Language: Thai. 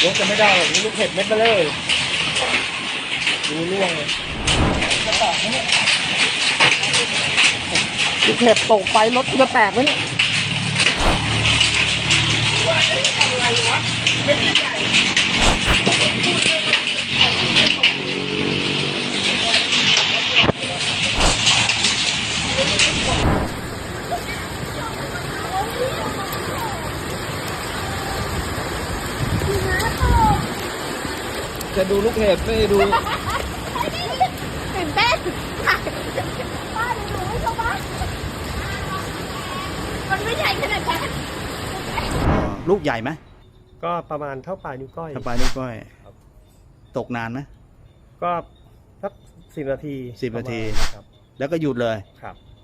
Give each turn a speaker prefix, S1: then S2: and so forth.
S1: ยกจะไม่ได้หรอกนี่ลูกเห็บเม็ดมาเลยดูร่วงเลยจะแตกไหมเนี่ยลูกเห็บตกไปรถจะแตกไหมเนี่ยจะดูลูกเห็บไม่ดู
S2: ตื่นเต้นป้าดูไม่ชอบป้ามันไม่ใหญ่ขนาดนั้น
S3: ลูกใหญ่ไหม
S1: ก็ประมาณเท่าปลายนิ้วก้อย
S3: ถ้าปลายนิ้วก้อยตกนานไหม
S1: ก็สัก10 นาที
S3: 10 นาที
S1: ครับ
S3: แล้วก็หยุดเลย
S1: ครับ